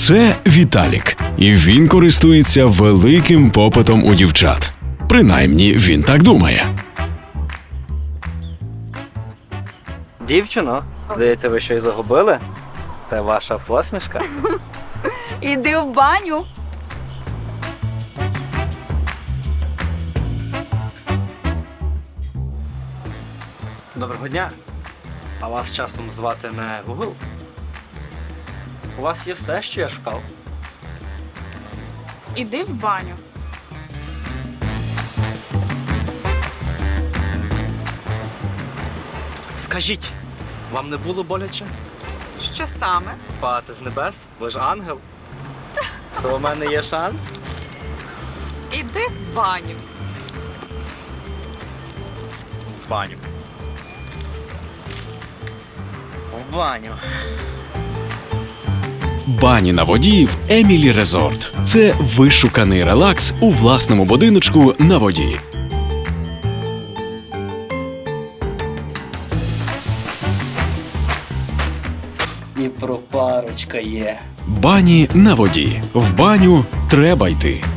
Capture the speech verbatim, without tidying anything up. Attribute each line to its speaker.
Speaker 1: Це Віталік, і він користується великим попитом у дівчат. Принаймні, він так думає.
Speaker 2: Дівчино, здається, ви щось загубили? Це ваша посмішка?
Speaker 3: Іди в баню.
Speaker 2: Доброго дня. А вас часом звати не Гугл? У вас є все, що я шукав.
Speaker 3: Іди в баню.
Speaker 2: Скажіть, вам не було боляче?
Speaker 3: Що саме?
Speaker 2: Падати з небес? Ви ж ангел? То у мене є шанс?
Speaker 3: Іди в баню.
Speaker 2: В баню. В баню.
Speaker 1: Бані на воді в Емілі Резорт. Це вишуканий релакс у власному будиночку на воді.
Speaker 2: І про парочка є.
Speaker 1: Бані на воді. В баню треба йти.